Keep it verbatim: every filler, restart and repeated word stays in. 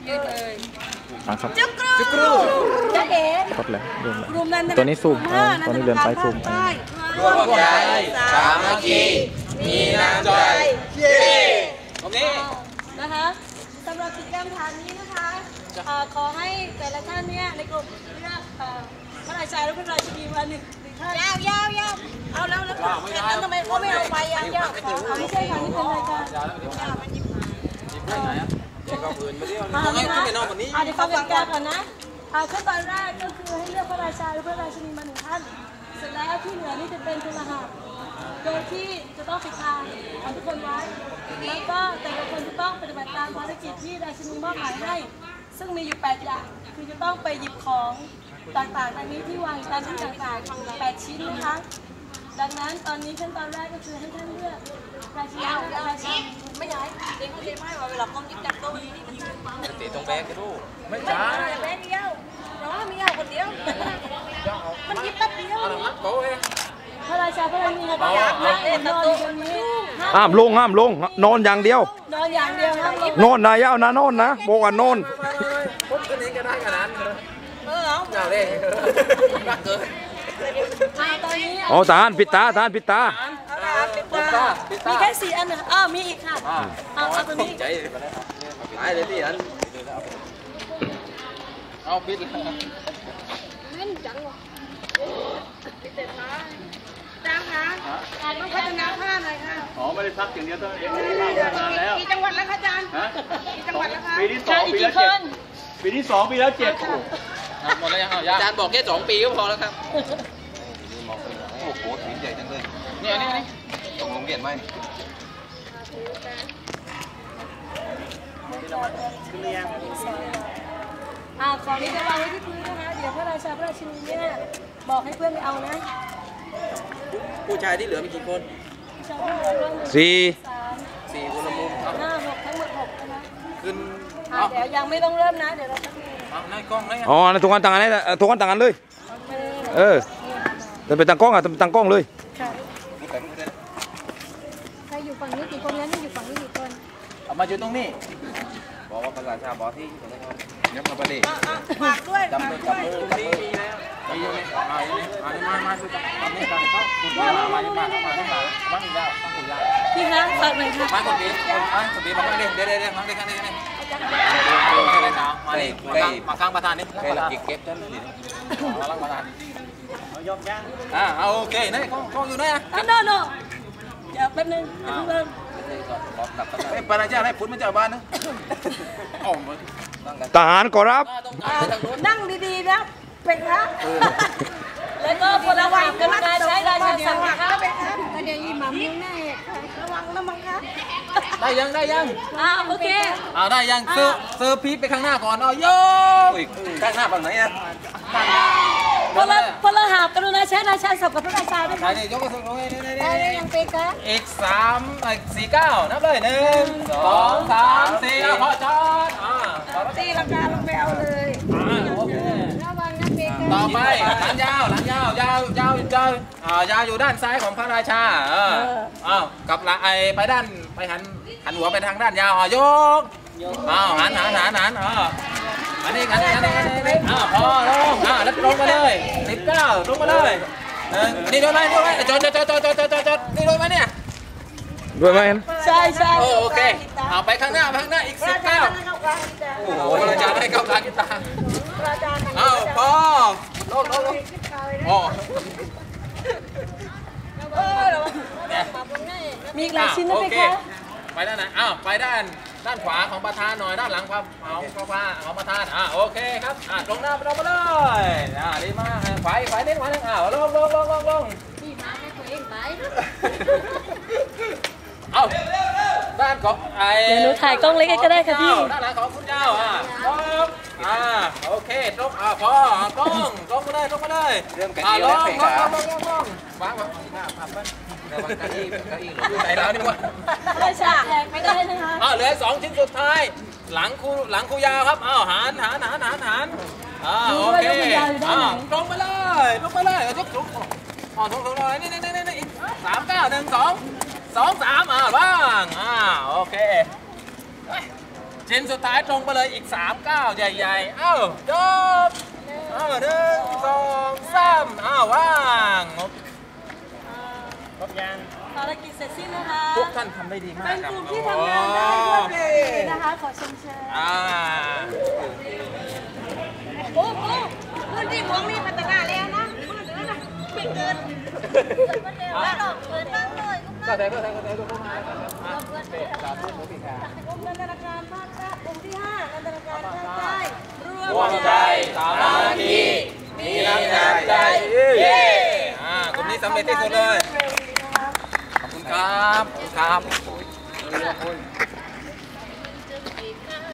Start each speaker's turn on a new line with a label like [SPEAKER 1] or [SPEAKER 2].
[SPEAKER 1] ยืดเลย
[SPEAKER 2] ครับ
[SPEAKER 1] จุกรูจุกรูจะเอ๋
[SPEAKER 2] ครบแล้วรวมแล้วตัวนี้ซูมตัวนี้เดินไปซูม
[SPEAKER 1] ร่วมใจสามัคคีมีน้ำใจเย้โอเคนะคะสำหรับกิจกรรมฐานนี้นะคะขอให้แต่ละท่านเนี่ยในกลุ่มเลือกพระราชาและพระราชินีมาหนึ่งท่านยาวยาวยาวเอาแล้วแล้วแล้วทำไมเขาไม่เอาไปยาวยาวไม่ใช่ค่ะนี่เป็นรายการก็พื้นมาเที่ยวนี่ต้องให้ขึ้นไปนอนวันนี้เดี๋ยวฟังกติกาก่อนนะขั้นตอนแรกก็คือให้เลือกพระราชาหรือพระราชินีมาหนึ่งท่านเสร็จแล้วที่เหลือนี่จะเป็นพลหัตโดยที่จะต้องปิดตาเอาทุกคนไว้แล้วก็แต่ละคนจะต้องปฏิบัติตามภารกิจที่ราชินีมอบหมายให้ซึ่งมีอยู่แปดอย่างคือจะต้องไปหยิบของต่างๆอันนี้ที่วางตามที่ต่างๆแปดชิ้นนะคะดังนั้นตอนนี้ขั้นตอนแรกก็คือให้ท่านเลือกราชินีราชินีไม่ย้ายเด็กเขาเรียกไม่ว่าเวลาต้องยิบจับโต๊ะนี้นี่มันจะตีตรงแบกกันดูไม่ใช่แบกเดียวน้องมีเอาคนเดียวมันยิบแป๊บเดียวพระราชาพระราชินีก็อยากนั่งนอนอยู่ตรงนี้
[SPEAKER 2] ห้ามลงห้ามลงนอนอย่างเดียวน
[SPEAKER 1] อนอย่างเดียวครับ
[SPEAKER 2] นอนนายเอานะนอนนะโบกันนอน
[SPEAKER 3] พุทธนี้ก็ได้ขนาดนั้น
[SPEAKER 1] เออเอา
[SPEAKER 3] เอาเลยรักเกิน
[SPEAKER 2] อ๋อทหารปิดตาทหารปิดตา
[SPEAKER 1] มีแค่สี่อันนะอ้าวมีอีกค่ะเอาเอาตัวนี้
[SPEAKER 3] ใจหายเลยที่อันเอาปิดเลย
[SPEAKER 1] เล่นจังวะปิดเสร็จนะจ้างคะต้องพัฒนาผ้าหน่อยค่ะ
[SPEAKER 3] อ๋อไม่ได้ซักอย่างเดียวเท่านั้นเองพัฒนาแล้ว
[SPEAKER 1] กี่จังหวัดแล้วคะอาจารย์กี่จังหวัดแล้วคะ
[SPEAKER 3] ปีที่สองปีแล้วเจ็ดปีที่สองปีแล้วเจ็ดหมดแล้วยังอาจารย์บอกแค่สองปีก็พอแล้วครับโอ้โหสีใหญ่จังเลยนี่นี่นี่ตรงลงเรียนไหม
[SPEAKER 1] อ่าของนี้จะวางไว้ที่พื้นนะคะเดี๋ยวพระราชาพระราชินีเนี่ยบอกให้เพื่อนไปเอานะ
[SPEAKER 3] ผู้ชายที่เหลือมีกี่คน
[SPEAKER 2] สี่
[SPEAKER 3] สี่คนละมุม
[SPEAKER 1] ห้าหกทั้งหมดหกนะคะ
[SPEAKER 3] ขึ้น
[SPEAKER 1] เดี๋ยวยังไม่ต้องเริ่มนะเดี๋ยวเราจะมี
[SPEAKER 2] อ๋อทุกคนต่างกันเลยทุกคนต่างกันเลยเออจะไปตั้งกล้องอ่ะตั้งกล้องเลย
[SPEAKER 1] ใครอยู่ฝั่งนี้กี่คนแล้วนี่อยู่ฝั่งนี้กี่คน
[SPEAKER 3] เอามาอยู่ตรงนี้บอกว่าประชาชาบอกที่ยับมาประเดี๋ยว
[SPEAKER 1] ฝากด้วย
[SPEAKER 3] จับมือจับมือจับมือมีแล้วมีอยู่นี่มาอยู่นี่มามามาดูจับนี่กันเขาคุณมามามามามามาบ้างอีกแล้วบ้างอีกแล้ว
[SPEAKER 1] พี่คะฝากหน่อยค่ะ
[SPEAKER 3] มาคนดีคนอ่ะคนดีมาเดี๋ยวเดี๋ยวเดี๋ยวมาเดี๋ยวกันเดี๋ยวกันเดี๋ยวมาดิมาข้างประธานนี่เก็บเก็บจนนี่มาลังประธานเอายกย่างอ่าเอาโอเคนี่กล้องกล้องอยู่ไหนอ่ะ
[SPEAKER 1] โน่โน่เดี๋ยวแป๊บนึงเดี๋ยวเพิ่ง
[SPEAKER 3] เอ้ปราชาให้พุทธมาจากบ้านนะ
[SPEAKER 2] ทหารขอรับ
[SPEAKER 1] นั่งดีๆนะเป็นครับแล้วก็พลวัตกรุณาใช้ราชาศัพท์นะครับเดี๋ยวยี่หม่ำยังแน่ระวังนะมังครับ
[SPEAKER 3] ได้ยังได้ยัง
[SPEAKER 1] อ่าโอเค
[SPEAKER 3] อ่าได้ยังเซอร์เซอร์พีไปข้างหน้าก่อนเอาโยกข้างหน้าฝั่งไหนอ่ะ
[SPEAKER 1] พลพลหาบกรุณาใช้ราชาศัพท์กับพระราชาด้วย
[SPEAKER 3] ใช่นี่ยกกระสุนลงนี่นี่
[SPEAKER 1] นี่ยังเป็นครับ
[SPEAKER 3] อีกสามอีกสี่เก้านับเลยหนึ่งสองสามสี่พอจอดอ่า
[SPEAKER 1] ตีลังกาลงไปเอาเลย
[SPEAKER 3] โอเค
[SPEAKER 1] ระวังนะเบก
[SPEAKER 3] ต่อไปหลังยาวหลังยาวยาวยาวยาวอ่ายาวอยู่ด้านซ้ายของพระราชาเอออ้าวกับหลังไอไปด้านไปหันหันหัวไปทางด้านยาวอ่ะยกอ้าวหันหันหันหันอ่าอันนี้อันนี้อันนี้อันนี้อ้าวพอลงอ่าแล้วลงมาเลยสิบเก้าลงมาเลยนี่ด้วยไหมด้วยไหมจอดจอดจอดจอดจอดจอดจอดนี่ด้วยไหมเนี่ย
[SPEAKER 2] ด้วยไหม
[SPEAKER 1] ใช่ใช่
[SPEAKER 3] โอเคเอาไปข้างหน้าไปข้างหน้าอีกสิบเก้าโอ้โหอาจารย์ให้เข้ากลางกีตาร์อ้าวพอลงลงลงโอ้
[SPEAKER 1] มีหลายชิ้นนะพี่คะ
[SPEAKER 3] ไปด้านไหนอ้าวไปด้านด้านขวาของประธานหน่อยด้านหลังความเอาของพระของประธานอ่าโอเคครับอ่าลงหน้าลงมาเลยอ่าดีมากขวาขวาเน้นขวาเน้นอ้าวลงลงลงลงลง
[SPEAKER 1] พี่มาให้ตัวเองไป
[SPEAKER 3] เอาด้านของไอ้
[SPEAKER 1] เดี๋ยวหนูถ่ายกล้องเล็กก็ได้ค่ะพี่
[SPEAKER 3] ด้านหลังของคุณเจ้าอ่าอ่าโอเคตรงอ่าพอกล้องกล้องมาเลยกล้องมาเลยเริ่มกันแล้วเพลงอ่ะลงลงลงวางวางผับไประวังเก้าอี้เก้าอี้หลุดไหนแล้วนี่วะ
[SPEAKER 1] ไม่ใช่ไม่ได้นะคะ
[SPEAKER 3] อ่าเหลือสองชิ้นสุดท้ายหลังคูหลังคูยาวครับอ้าวหันหันหันหันหันอ่าโอเคอ่าตรงไปเลยตรงไปเลยยกสูงอ๋อตรงตรงเลยนี่นี่นี่นี่อีกสามเก้าหนึ่งสองสองสามอ่าบ้างอ่าโอเคชิ้นสุดท้ายตรงไปเลยอีกสามก้าวใหญ่ๆเอ้าจบเอ้าหนึ่งสองสามเอ้าว่างครบยัง
[SPEAKER 1] ภารกิจเสร็จสิ้นนะคะ
[SPEAKER 3] ทุกท่านทำได้ดีมาก
[SPEAKER 1] เป็น
[SPEAKER 3] ครับ
[SPEAKER 1] กลุ่มที่ทำงานได้รวดเร็วนะคะขอชมเชย
[SPEAKER 3] อ่า
[SPEAKER 1] โอ้โหพื้นที่หลวงมีพัฒนาแล้วนะพื้นที่นะไม่เกินแล้วดอกเกินบ้างเลย
[SPEAKER 3] ก็ได้ก็ได้ก็ได้ก็ได้
[SPEAKER 1] กรมธนาคารภาคใต้กลุ่มที่ห้ากรมธนาคารภาคใต้ร
[SPEAKER 3] ร่วมใจสามัคคีมีน้ำใจเย้อ่ากลุ่มนี้สำเร็จที่สุดเลยขอบคุณครับขอบคุณครับ